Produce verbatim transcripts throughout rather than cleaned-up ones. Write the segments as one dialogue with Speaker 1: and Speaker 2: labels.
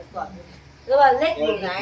Speaker 1: สอบหรือว่าเลขอยู่ไหน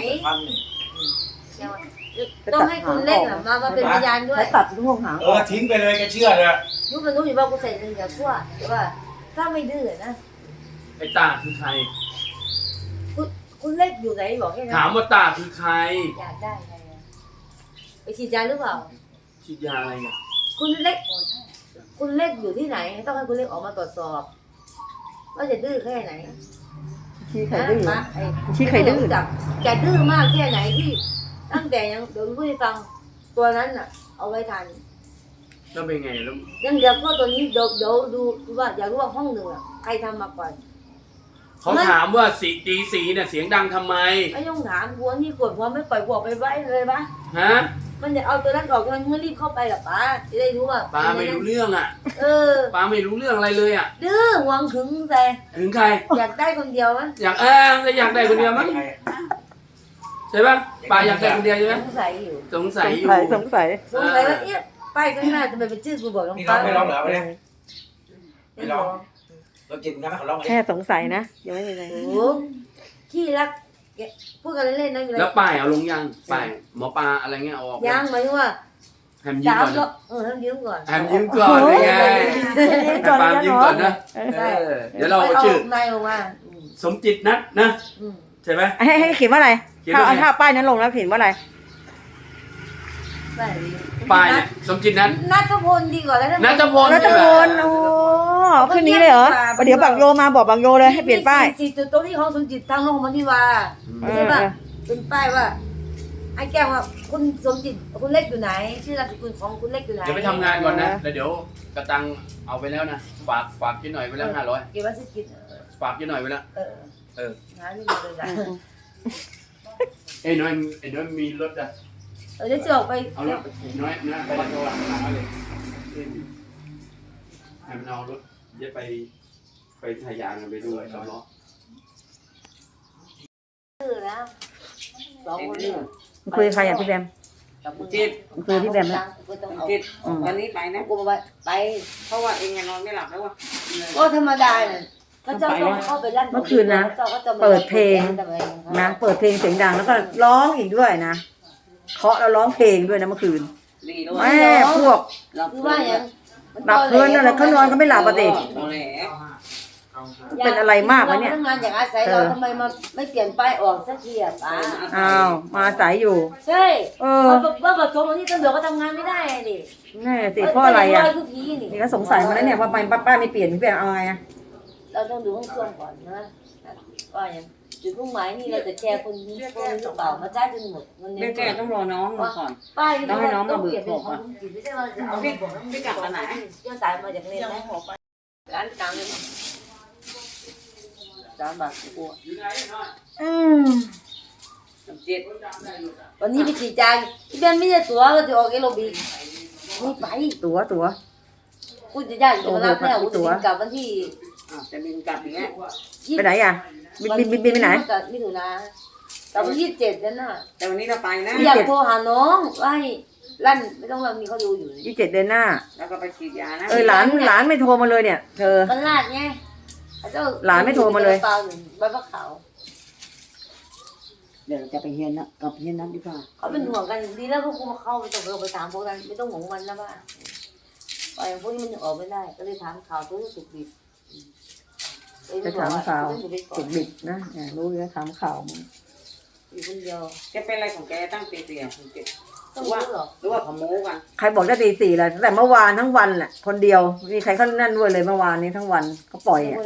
Speaker 1: ต้องให้คุณเลขมามาเป็นพยานด้วย
Speaker 2: ตัดลูกหาง
Speaker 3: เออทิ้งไปเลยแกเชื่อเลย
Speaker 1: รู้มันรู้อยู่ว่ากูใส่เงินกับพวกหรือว่าถ้าไม่ดื้อนะ
Speaker 4: ไอ้ตาคือใคร
Speaker 1: คุณคุณเลขอยู่ไหนบอกแค่นั้น
Speaker 4: ถามว่าตาคือใคร
Speaker 1: อยากได้ไงไปฉีดยาหรือเปล่า
Speaker 4: ฉีดยาอะไรเนี่ย
Speaker 1: คุณเลขคุณเลขอยู่ที่ไหนต้องให้คุณเลขออกมาตรวจสอบว่าจะดื้อแค่ไหน
Speaker 2: ชี้ใครดื้อ
Speaker 1: ชี้ใครดื้อจับแกดื้อมากแค่ไหนที่ตั้งแต่ยังเดี๋ยวพูดให้ฟังตัวนั้นน่ะเอาไว้ทัน
Speaker 4: แล้วเป็นไงแล้ว
Speaker 1: ยังเดี๋ยวก็ตัวนี้เดี๋ยวเดี๋ยวดูว่าอยากรู้ว่าห้องหนึ่งอ่ะใครทำมาก่อน
Speaker 4: เขาถามว่าสีตีสีเนี่ยเสียงดังทำไม
Speaker 1: ไม่ต้องถามหัวนี่กดหัวไม่ปล่อยหัวไปไว้เลยปะ
Speaker 4: ฮะ
Speaker 1: มันจะเอาตัวนั้นออกมันไม่รีบเข้าไปหรอป้าจะได้รู้ว่า
Speaker 4: ป้าไม่รู้เรื่องอ่ะ
Speaker 1: เออ
Speaker 4: ป้าไม่รู้เรื่องอะไรเลยอ่ะ
Speaker 1: ดื้อหวังถึงแต่
Speaker 4: ถึงใคร
Speaker 1: อยากได้คนเดียวมั้ย
Speaker 4: อยากเออจะอยากได้คนเดียวมั้ยใช่ป่ะป้าอยากได้คนเดียวใช่ไหม
Speaker 1: สงสัยอยู่
Speaker 4: สงสัยอยู่
Speaker 2: สงสัย
Speaker 1: สงสัยว่าเอ๊ะป้ายข้างหน้าจะเป็นชื่อกูบอกน้องป้า
Speaker 3: ไม่ร้องเหรอไม่ไม่ร้องเรากินกันไหมเขาร้อง
Speaker 2: แค่สงสัยนะยังไม่มีอะไร
Speaker 1: โอ้ขี้รักพูดกันเล่นๆนะ
Speaker 4: แล้วป้ายเอาลงยังป้ายหมอปลาอะไรเงี้ยออก
Speaker 1: ยังหมายถึงว่า
Speaker 4: แฮมยิ้มก่อน
Speaker 1: เออแฮมยิ้มก่อน
Speaker 4: แฮมยิ้มก่อนเลยไงแฮมปามยิ้มก่อนนะเดี๋ยวเราเอาชื่อ
Speaker 1: ในออกมา
Speaker 4: สมจิตนัทนะใช่ไหม
Speaker 2: ให้ให้เขียนว่าอะไรถ้าเอาถ้าป้ายนั้นลงแล้วเขียนว่าอะไร
Speaker 4: ป้ายเนี่ยสมจิตนัท
Speaker 1: นัทพลดีกว่าแล้ว
Speaker 4: นัทพล
Speaker 2: นัทพลโอ้ขึ้นนี้เลยเหรอเดี๋ยวบางโยมาบอกบางโยเลยให้เปลี่ยนป้าย
Speaker 1: สี่จุดตรงที่ของสมจิตทางลงมันที่ว่าใช่ป่ะเป็นป้ายว่าไอ้แก้วว่าคุณสมจิตคุณเล็กอยู่ไหนชื่อนามสกุลของคุณเล็กอยู่ไหน
Speaker 4: เดี๋ยวไปทำงานก่อนนะแล้วเดี๋ยวกระตังเอาไปแล้วนะฝากฝากกินหน่อยไปแล้วห้าร้อย
Speaker 1: เก็บไว้ซื้อกิน
Speaker 4: ฝากกินหน่อยไปแล้ว
Speaker 1: เออ
Speaker 4: เออ
Speaker 1: หาที่มาเลยนะ
Speaker 4: ไอ้น้อยไอ้น้อยมีรถอ่ะ
Speaker 1: เออจะจะออกไป
Speaker 4: เอารถไปน้อยนะไปโทรหาเลยให้มันเอารถเดี๋ยวไปไปทายางไปดูสำล้อ
Speaker 1: คือแล้วสองคนนี้
Speaker 2: คุยใครอ่ะพี่แบม
Speaker 5: จิต
Speaker 2: คุยพี่แบมนะ
Speaker 5: จิตวันนี้ไปนะ
Speaker 1: กูไปไป
Speaker 5: เพราะว่าเองนอนไม่หลับแล้วว่ะ
Speaker 1: ก็ธรรมดาเนี่ยก็เจ้าต้องเข้าไปลั่น
Speaker 2: เมื่อคืนนะเปิดเพลงนะเปิดเพลงเสียงดังแล้วก็ร้องอีกด้วยนะเคาะแล้วร้องเพลงด้วยนะเมื่อคืนแม่พวก
Speaker 1: คือว่าอย่าง
Speaker 2: หลับเพลินอะไรเขานอนก็ไม่หลับปกติเป็นอะไรมากวะเนี่ย
Speaker 1: ทำงานอย่างอาศัยเราทำไมมาไม่เปลี่ยนป้ายออกสักทีอ่ะป้า
Speaker 2: อ้าวมาอาศัยอยู่
Speaker 1: ใช่เออว่าผสมวันนี้ตำรวจก็ทำงานไม่ได้ดิ
Speaker 2: แน่สิเพราะอะไรอ่ะนี่ก็สงสัยมาแล้วเนี่ยว่าป้าป้าไม่เปลี่ยนพี่แบมเอาไงอ่ะ
Speaker 1: เราต้องดูห้องเครื่องก่อนนะว่าอย่างจุดมุ่งหมายนี่เราจะแชร์คนนี้คนหรือเปล่ามาจ่ายจนหมด
Speaker 5: เงินแกต้องรอน้องก่อน
Speaker 1: ป้าย
Speaker 5: ต้องให้น้องมาเบิกบอก
Speaker 1: ว่าไม่ใช่ว่าเอา
Speaker 5: พี่พี่กลับมาไหน
Speaker 1: เจ้าสายมาจากเรียนนะร้านกลางเลยสามบาทกู
Speaker 2: อืม
Speaker 5: เจ็ด
Speaker 1: วันนี้ไปฉีดยาที่บ้านไม่ได้ตั๋วก็จะออกเอโรบิกไม่ไป
Speaker 2: ตั๋วตั๋ว
Speaker 1: กูจะย้ายจะมารับแม่กูจะบินกลับวันที่
Speaker 5: จะบินกลับอย่างเงี้ย
Speaker 2: ไปไหนอ่ะบินบินบินบินไปไหน
Speaker 1: มิถุนาแต่วันที่เจ็ดนั่นน่ะ
Speaker 5: แต่วันนี้เราไปนะ
Speaker 1: อยากโทรหาน้องว่าให้ลั่นไม่ต้องเรามีเขาดูอยู่
Speaker 2: ยี่สิบเจ็ดเดือนหน้า
Speaker 5: แล้วก็ไปฉีดยานะ
Speaker 2: เออหลานหลานไม่โทรมาเลยเนี่ยเธอ
Speaker 1: มันลาดไง
Speaker 2: หลานไม่โทรมาเลย
Speaker 1: เปล่าหนึ่งใบมะขาว
Speaker 5: เดี๋ยวจะไปเฮียนนะกับเฮียนนั้นดีกว่า
Speaker 1: เขาเป็นห่วงกันดีแล้วพวกกูมาเข้าไปต้องไปถามพวกนั้นไม่ต้องห่วงมันนะบ้าไอ้พวกนี้มันออกไม่ได้ก็เลยถามข่าวตัวสุกดิบ
Speaker 2: จะถามข่าวสุกดิบนะรู้แล้วถามข่าวมัน
Speaker 1: อยู่คนเดียว
Speaker 5: แกเป็นอะไรของแกตั้งตีเตียงคุณเจ็บหรือว่าหรือว่าขโมยกัน
Speaker 2: ใครบอกจะตีสี่เลยแต่เมื่อวานทั้งวันแหละคนเดียวมีใครเขานั่นด้วยเลยเมื่อวานนี้ทั้งวันเขาปล่อยอ่ะ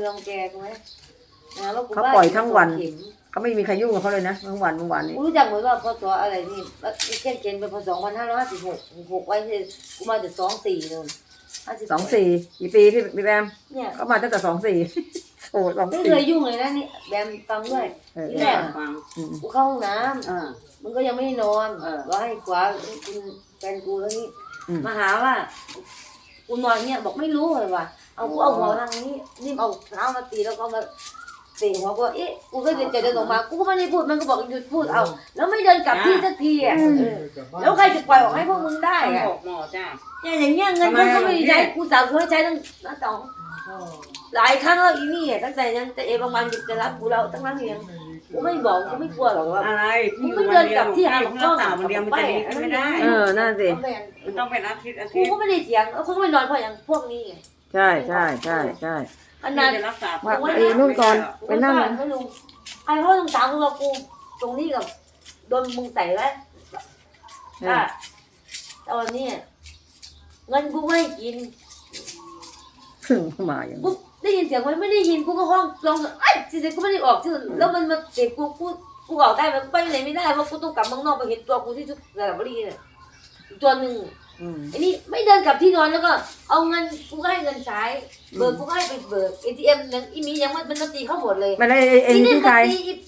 Speaker 2: เขาปล่อยทั้งวันเขาไม่มีใครยุ่งกับเขาเลยนะทั้งวันเมื่อวานนี้
Speaker 1: รู้จักเหมือนว่าพศอะไรนี่เช่นเกณฑ์เป็นพศสองพันห้าร้อยห้าสิบหกหกไว้ที่กูมาจากสองสี่นู่น
Speaker 2: สองสี่กี่ปีพี่พี่แบมเนี่ยเขามาตั้งแต่สองสี่โอ้สองสี่
Speaker 1: ไม่เคยยุ่งเลยนะนี่แบมฟังด้วยที่แรกกูเข้าห้องน้ำมันก็ยังไม่นอนว่าให้ขวาคุณแฟนกูแล้วนี่มาหาว่ากูนอนเนี่ยบอกไม่รู้เลยว่ะเอากูเอาหัวทางนี้นี่เอาเท้ามาตีแล้วก็มาตีหัวกูเอ๊ะกูก็เดินเดินออกมากูก็ไม่ได้พูดมันก็บอกหยุดพูดเอาแล้วไม่เดินกลับที่สักทีอ่ะแล้วใครจะปล่อยออกให้พวกมึงได้อ่ะ
Speaker 5: หมอจ้า
Speaker 1: เนี่ยอย่างเงี้ยเงินเขาก็ไม่ได้ใช้กูสาวเคยใช้ตั้งตั้งสองหลายครั้งแล้วอีนี่ตั้งแต่ยังแต่เอบางวันจะรับกูเราตั้งนั้นเองกูไม่บอกกูไม่กลัวหรอกว่า
Speaker 5: อะไร
Speaker 1: มึงไม่เดินกลับที่หาของ
Speaker 5: รั
Speaker 1: กล้
Speaker 5: ก
Speaker 1: อง
Speaker 5: ษาวันเดียวมันจะดีขึ้นไม่ได้
Speaker 2: เออนั่นสิ
Speaker 5: มันต้องเป็นอาทิตย์อา
Speaker 1: กู
Speaker 5: ทิตย์
Speaker 1: ก็ไม่ได้เถียงแล้วกูก็ไม่นอนเพราะอย่างพวกนี้ไง
Speaker 2: ใช่ใช่ใช่ใช่
Speaker 1: อันนั้น
Speaker 5: จะรักษา
Speaker 2: ว่าไอ้นู่นก่อนไปนั่ง
Speaker 1: ไม่รู้ไอ้เขาต้องถามกูว่ากูตรงนี้กับโดนมึงใส่ไว้อ่ะตอนนี้เงินกูไม่กิน
Speaker 2: ถึงมาอย่าง
Speaker 1: กูได้ยินเสียงมันไม่ได้ยินกูก็ห้องลองไอ้จริงๆกูไม่ได้ออกชื่อแล้วมันมาเตะกูกูกูออกได้มันไปไหนไม่ได้เพราะกูต้องกลับเมืองนอกไปเห็นตัวกูที่ชุดระดับรีเนี่ยอีกตัวหนึ่ง
Speaker 2: อืม
Speaker 1: ไอ้นี่ไม่เดินกลับที่นอนแล้วก็เอาเงินกูก็ให้เงินใช้เบิกกูก็ให้ไปเบิกเอทีเอ็มยังอีมียังมันมันตีเข้าหมดเลย
Speaker 2: ไม่ได้เองที่ใคร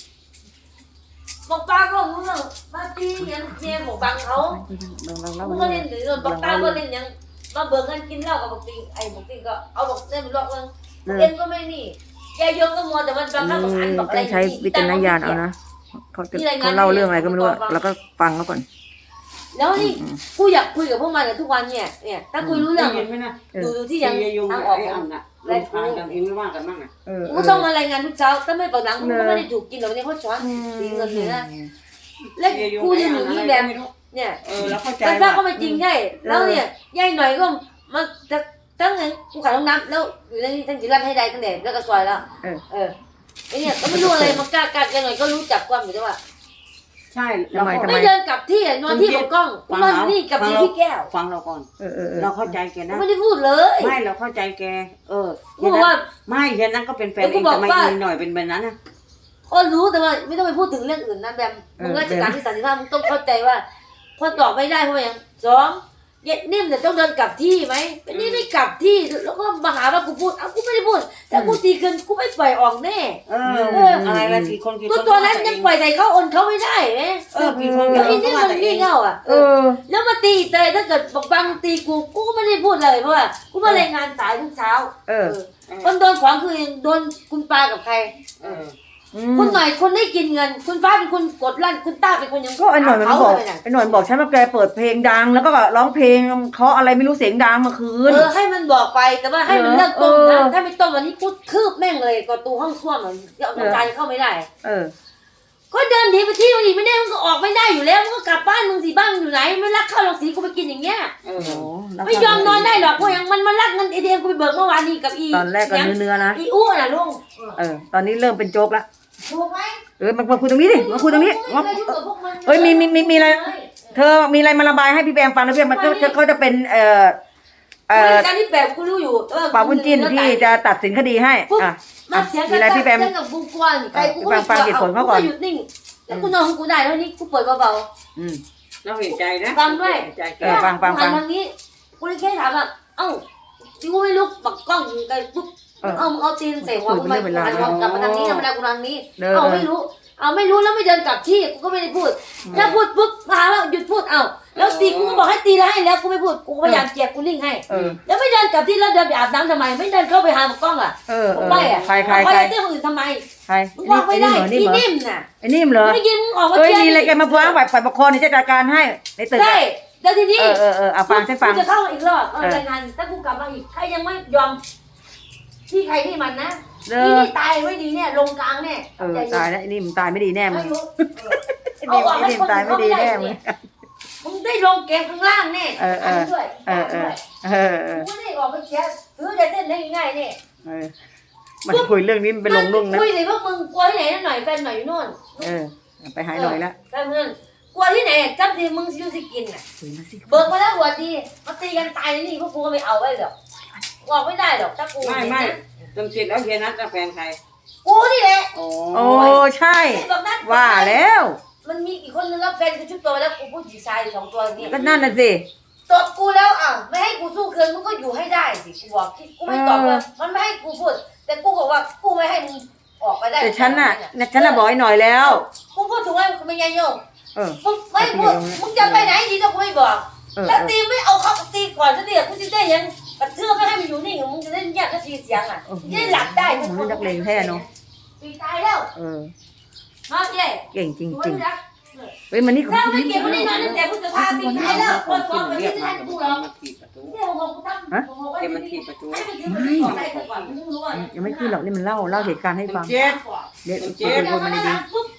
Speaker 1: บอกป้าก็มึงมาตีเงี้ยเมียบอกบังเขามึงก็เล่นหรือบอกป้าก็เล่นยังมาเบิกเงินกินเหล้ากับบอกติงไอ้บอกติงก็เอาบอกเล่นมันลอกเงินเอ็มก็ไม่นี่แกโยงก็มัวแต่มันบังคับบอกอันบอกอะไร
Speaker 2: ต้องใช้วิจารณญาณเอานะเขาจะเขาเล่าเรื่องอะไรก็ไม่รู้แล้วก็ฟังเขาก่อน
Speaker 1: แล้วนี่กูอยากคุยกับพวกมันทุกวันเนี่ยเนี่ยถ้าคุยรู้เรื่อง
Speaker 5: เห็นไหมนะ
Speaker 1: ดูดูที่ยัง
Speaker 5: ยุง
Speaker 1: ทาง
Speaker 5: อ
Speaker 1: อ
Speaker 5: อ
Speaker 1: อก ก
Speaker 5: อันน่ะลงทางกันเองไม่ว่ากันบ้างอ่ะ
Speaker 2: เออ
Speaker 1: กูต้องมารายงานทุกเช้าถ้าไม่ปากหลังกูก็ไม่ได้ถูกกินหรอกเนี่ยเขาช้อนตีเงินเลยนะแล้วกูจะอยู่นี่แบบเนี่ย
Speaker 5: เออแล้วเข้าใจ
Speaker 1: แต่ถ้าก็ไม่จริงใช่แล้วเนี่ยยายหน่อยก็มาตั้งไงกูขายห้องน้ำแล้วอยู่ในนี้ทั้งจิรันให้ได้ตั้งแต่แล้วก็ซอยแล้วเออเออไอเนี่ยก็ไม่รู้อะไรมันกล้ากล้ายายหน่อยก็รู้จักความอยู่ด้วยว่า
Speaker 5: ใช่เรา
Speaker 1: ไม่เดินกลับที่นอนที่ของกล้องกูนอนนี่กับพี่แก้ว
Speaker 5: ฟังเราก่อน
Speaker 2: เออเออ
Speaker 5: เราเข้าใจแกนะ
Speaker 1: ไม่ได้พูดเลย
Speaker 5: ไม่เราเข้าใจแก เออ
Speaker 1: กูบอกว่า
Speaker 5: ไม่แค่นั้นก็เป็นแฟนเองแต่ไม่มีหน่อยเป็นแบบนั้นนะ
Speaker 1: ก็รู้แต่ว่าไม่ต้องไปพูดถึงเรื่องอื่นนะแบบมึงราชการที่สามสิบห้ามึงต้องเข้าใจว่าพอตอบไม่ได้เพราะอย่างสองเย็ดนิ่มเนี่ยต้องเดินกลับที่ไหมเป็นนี่ไม่กลับที่แล้วก็มาหาว่ากูพูดอ้าวกูไม่ได้พูดแต่กูตีเกินกูไม่ปล่อยออกแน่
Speaker 5: เอออะไรละกี่คนกี่ค
Speaker 1: ตัวน ตัวนั้นยังปล่อยใส่เขาโอนเขาไม่ได้ไหม
Speaker 5: เออกี่คน
Speaker 1: แล้วอีนี่มันงี่เง่าอ่ะ
Speaker 2: เออ
Speaker 1: แล้วมาตีเตยถ้าเกิดบอกบังตีกูกูก็ไม่ได้พูดเลยเพราะว่ากูมารายงานสายทุกเช้า
Speaker 2: เออ
Speaker 1: คนโดนขวางคือโดนคุณปากับใคร
Speaker 5: เออ
Speaker 1: คุณหน่อยคนได้กินเงิน คุณฟ้าเป็นคนกดลั่นคุณต้าเป็นคนยัง
Speaker 2: ก็ไอ้หน่อยมันบอกไอ้หน่อยบอกฉันว่าแกเปิดเพลงดังแล้วก็ร้องเพลงเคาะอะไรไม่รู้เสียงดังเมื่อคืน
Speaker 1: เออให้มันบอกไปแต่ว่าให้มันเลิกต้มนะถ้าไม่ต้มวันนี้กูคืบแม่งเลยก็ตูห้องส้วมมันเอาน้ำใจเข้าไม่ได้
Speaker 2: เออ
Speaker 1: ก็เดินหนีไปที่มันอีกไม่ได้มันก็ออกไม่ได้อยู่แล้วมันก็กลับบ้านมึงสิบ้านอยู่ไหนไม่รักข้าวหรอกสีกูไปกินอย่างเงี้ย
Speaker 5: เออ
Speaker 1: ไม่ยอมนอนได้หรอกเพราะอย่างมันมันรักเงินเอทีเอ็มกูไปเบิกเมื่อวานนี้กับอี
Speaker 2: ตอนแรกก็เนื้อๆนะ
Speaker 1: อีอ้วนน่ะลุง
Speaker 2: เออตอนนี้เริ่มเป็นโจ๊กละ
Speaker 1: ถูกไหม
Speaker 2: เออมาคุยตรงนี้ดิมาคุยตรงนี้เอ้ยมีมีมีมีอะไรเธอมีอะไรมาระบายให้พี่แบงฟังนะพี่มันก็เขาจะเป็นเอ่อเอ่อ
Speaker 1: การที่แบบกูรู้อยู่
Speaker 2: ป่าวุ้นจิ้นที่จะตัดสินคดีให้อ่ะ
Speaker 1: มาเสียง
Speaker 2: มีอะไรพี่แบม
Speaker 1: เรื่องกับกูกวนใครกูก็ไม่
Speaker 2: ฟังเหตุผลเขาก่อน
Speaker 1: หยุดนิ่งแล้วกูนอนของกูได้แล้วนี่กูเปิดเบา
Speaker 2: อืม
Speaker 5: เราเห็นใจนะ
Speaker 1: ฟังด้วย
Speaker 5: ใจแก
Speaker 2: เออฟังฟังฟัง
Speaker 1: ทางนี้กูเลยแค่ถามว่าเอ้าที่กูไม่ลุกปักกล้องไกลปุ๊บ
Speaker 2: เออ
Speaker 1: เอ้ามึงเอาตีนใส่หัวกูไป
Speaker 2: คุยเป็นเรื่องเป็นราว
Speaker 1: หันกลับมาทางนี้ทำไมกูทางนี้
Speaker 2: เออ
Speaker 1: เอ้าไม่รู้เอาไม่รู้แล้วไม่เดินกลับที่กูก็ไม่ได้พูดถ้าพูดปุ๊บมาว่าหยุดพูดเอ้าแล้วตีกูก็บอกให้ตีแล้วให้แล้วกูไม่พูดกูพยายามเจียกกูลิ่งให้
Speaker 2: เออ
Speaker 1: แล้วไม่เดินกลับที่แล้วเดินไปอาบน้ำทำไม ไม่เดินเข้าไปหาหมอกล้องอ่ะ
Speaker 2: เออเออ
Speaker 1: ไปอ่ะ
Speaker 2: ใครใคร
Speaker 1: ไป
Speaker 2: ใคร
Speaker 1: เจ้าคนอื่นทำไม
Speaker 2: ใคร
Speaker 1: มึงบอกไม่ได้
Speaker 2: ไอ้
Speaker 1: ที่
Speaker 2: นิ่มเหรอ
Speaker 1: นิ่มน่ะ
Speaker 2: ไอ้นิ่มเหรอ
Speaker 1: ไม่ได้ยินมึงออกมา
Speaker 2: เอ้ย
Speaker 1: เชียร์
Speaker 2: มีอะไรแกมาฟ้องฝ่ายฝ่ายปกครองนี่จะจัดการให้ในตึก
Speaker 1: ใช่แล้วทีนี้
Speaker 2: เออเออเออเอาฟังฉันฟัง
Speaker 1: กูจะเข้ามาอีกรอบเอา
Speaker 2: เออ
Speaker 1: รายงานถ้ากูกลับมาอีกใครยังไม่ยอมที่ใครที่มันนะ
Speaker 2: เอ
Speaker 1: นี่
Speaker 2: อ
Speaker 1: นี่ตายไม่ดีเนี่ยลงกลางเนี่ย
Speaker 2: เออตายแล้วไอ้นิ่มตายไม่ดีแน่มึ
Speaker 1: ไม่
Speaker 2: ง
Speaker 1: รู้
Speaker 2: ไอ้นิ่มไอ้นิ่มตายไม่ดีแน่มึง
Speaker 1: มึงได้ลงเกมข้างล่างแน่
Speaker 2: เออเออ
Speaker 1: นนี้ด้วย
Speaker 2: เออเออ
Speaker 1: ด้วย
Speaker 2: เออเออ
Speaker 1: กูไม่ได้ออกไปเชียร์ซื้อจะเส้นได้ง่ายๆเนี่ย
Speaker 2: เออมันคุยเรื่องนี้มันเป็นลงลุ่งนะ
Speaker 1: คุยเลยพวกมึงกลัวที่ไหนนั่นหน่อยแฟนหน่อยอยู่โน่น
Speaker 2: เออไปหายหน่อยละ
Speaker 1: แฟนเพื่อนกลัวที่ไหนจำทีมึงซิวสิกินน่ะ
Speaker 2: คุยมาสิ
Speaker 1: เบิกมาแล้วหัวดีมาตีกันตายนี่พวกกูก็ไม่เอาไว้หรอกบอกไม่ได้หรอกถ้ากู
Speaker 5: ไม่ไม่จำจิตแล้วเฮียนัทจะแฟนใคร
Speaker 1: กูนี่แหละ
Speaker 5: โอ้
Speaker 2: โอ้ใช่
Speaker 1: ไอ้บอกนัด
Speaker 2: ว่าแล้ว
Speaker 1: มันมีอีกคนนึงแล้วแฟนกูชุบตัวแล้วกูพูดจีชายสองตัวนี่
Speaker 2: ก็นั่นน่ะสิ
Speaker 1: ตบกูแล้วอ่ะไม่ให้กูสู้คืนมึงก็อยู่ให้ได้สิกูบอกกูไม่ตอบเลยมันไม่ให้กูพูดแต่กูบอกว่ากูไม่ให้มึงออกไปได้
Speaker 2: แต่ฉันน่ะฉันน่ะบอกให้หน่อยแล้ว
Speaker 1: กูพูดถูกไหมมึงไม่ยังโยง
Speaker 2: เออ
Speaker 1: มึงไม่พูดมึงจะไปไหนดีก็กูไม่บอก
Speaker 2: เออ
Speaker 1: แล้วตีไม่เอาเขาตีก่อนจะตีกูจะได้ยังกระเทือกไม่ให้มันอยู่นี่มึงจะได้แยกก็ทีเสียงอ่ะจะได้หลับได้
Speaker 2: ผมนี่นักเลงแท้เนาะ
Speaker 1: ตีตายแล้ว
Speaker 2: เออ
Speaker 1: มาเย่
Speaker 2: เก่งจริง
Speaker 1: ดู
Speaker 2: จริง
Speaker 1: นะ
Speaker 2: เฮ้ยมันนี่
Speaker 1: ถ้าไม่เก็บมันได้นอนตั้งแต่พุทธภาปีตายแล้วคนฟ้องไป
Speaker 5: เรีย
Speaker 1: ที่
Speaker 5: ก
Speaker 1: ไหน
Speaker 5: มา
Speaker 1: กูหรอก
Speaker 5: มาถีบประตู
Speaker 1: เนี่ยผมกูตั้งผมบอกว่า
Speaker 5: เก
Speaker 1: ให้
Speaker 5: ม
Speaker 1: มั
Speaker 5: มัน นถีบประตู
Speaker 1: ให้มันยืมมันก่อนได้ก่อนมึงรู้ว่า
Speaker 2: ยังไม่ขึ้นหรอกนี่มันเล่าเล่าเหตุการณ์ให้ฟัง
Speaker 5: เจ็ด
Speaker 2: เดี๋ยว
Speaker 5: เจ็
Speaker 2: คุย
Speaker 5: ด
Speaker 2: กันมาดี
Speaker 1: ปุ๊บ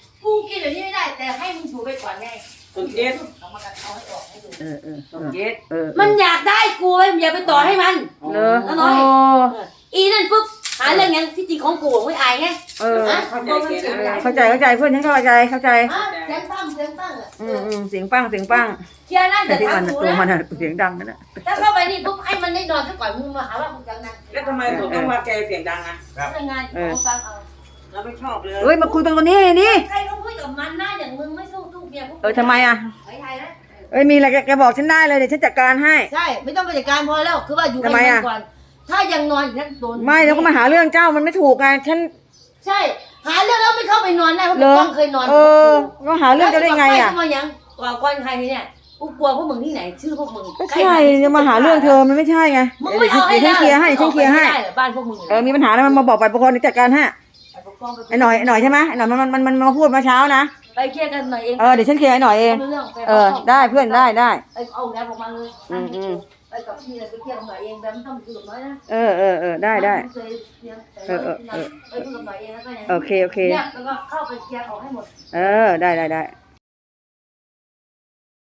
Speaker 1: กินเดี๋ยวนี้ไม่ได้ แต่ให้มึงอยู่ไปก่อนไง
Speaker 5: สมจิต
Speaker 1: เอามากันเอาให้ออกให้ดู
Speaker 2: เออเออ
Speaker 5: สมจิต
Speaker 2: เออ
Speaker 1: มันอยากได้กูไว้อย่าไปต่อให้มัน
Speaker 2: เลอ
Speaker 1: น้อย
Speaker 2: โอ้
Speaker 1: อีนั่นปุ๊บหาเรื่องยังที่จริงของกูไม่อายไง
Speaker 2: เออ
Speaker 5: เข้าใจเกณฑ์นะ
Speaker 2: เข้าใจเข้าใจเพื่อนฉันเข้าใจเข้าใจ
Speaker 1: อ่ะเสียงตั้งเสียงตั้งอ่ะ
Speaker 2: อืมอืมเสียงปังเสียงปัง
Speaker 1: เคลียร์นะ
Speaker 2: แต่
Speaker 1: เดี๋ยว
Speaker 2: ที่มัน
Speaker 1: ทำกู
Speaker 2: ตัวมัน
Speaker 1: นะ
Speaker 2: อะเสียงดังนั่นแหละ
Speaker 1: ถ้าเข้าไปนี่ปุ๊บให้มันได้นอนซะก่อนมึงมาหาว่ามึงจังนะ
Speaker 5: แล้วทำไมผมต้องมาแกเสียงดังอ่ะ
Speaker 1: ทำงานเอาฟังเอา
Speaker 5: เราไม่ชอบเลย
Speaker 2: เอ้ยมาคุยกันคนนี้นี่
Speaker 1: ใครเขาพูดกับมันหน้าอย่างมึงไม่สู้ทุกเมียพวก
Speaker 2: เออทำไมอ่ะ
Speaker 1: ไอ้ไทยนะ
Speaker 2: เอ้ยมีอะไรแกแกบอกฉันได้เลยเดี๋ยวฉันจัดการให้
Speaker 1: ใช่ไม่ต้องไปจัดการพอแล้วคือว่าอยู่กัน
Speaker 2: ทำไมอะ
Speaker 1: ก่อน ถ้ายังนอนอย่างนั้นโดน
Speaker 2: ไม่แล้วก็มาหาเรื่องเจ้ามันไม่ถูกไงฉัน
Speaker 1: ใช่ หาเรื่องแล้วไม่เข้าไปนอนได้เพราะ
Speaker 2: เหร
Speaker 1: มึ
Speaker 2: อง
Speaker 1: ต้องเคยนอน
Speaker 2: เออก็หาเรื่องจะได้ไงอ่ะ
Speaker 1: แล้วจมายังกว่าก้อนใครเนี่ยกูกลัวพวกมึงที่ไหนชื่อพวกมึง
Speaker 2: ก็ใช่จะมาหาเรื่องเธอมันไม่ใช่ไง
Speaker 1: มึง
Speaker 2: เดี๋ยว
Speaker 1: ไม่เอาให้
Speaker 2: ฉันเคลียร์ให้ฉันเคลียร์ให้
Speaker 1: ไม่ได้เหรอบ้านพวกมึง
Speaker 2: เออมีปัญหาอะไรมันมาบอกไปปกครองเดี๋ยวจัดการให้
Speaker 1: ไปปกป้องไป
Speaker 2: ไอ้หน่อยไอ้หน่อยใช่ไหมไอ้หน่อยมันมันมันมันมาพูดเมื่อเช้านะ
Speaker 1: ไปเคลียร์กันหน่อยเอง
Speaker 2: เออเดี๋ยวฉันเคลียร์ไอ้หน่อยเอง
Speaker 1: ไม่รู้รื่องไป
Speaker 2: เออได้เพื่อนได้ได้
Speaker 1: ไปเอาแล้วออกมาเลย
Speaker 2: อืมอืม
Speaker 1: ไปกับพี่เลยไปเคลียร์กันหน่อยเองแบบไม่ต้องคุยกับน้อยนะ
Speaker 2: เออเออเออได้ได้
Speaker 1: เคยเคลียร์แต่
Speaker 2: เออเออเออ
Speaker 1: ไปคุยกับหน่อยเองแล้วก็ยัง
Speaker 2: โอเคโอเค
Speaker 1: เนี่ยแล้วก็เข้าไปเคลียร์ออกให้หมด
Speaker 2: เออได้ได้ได้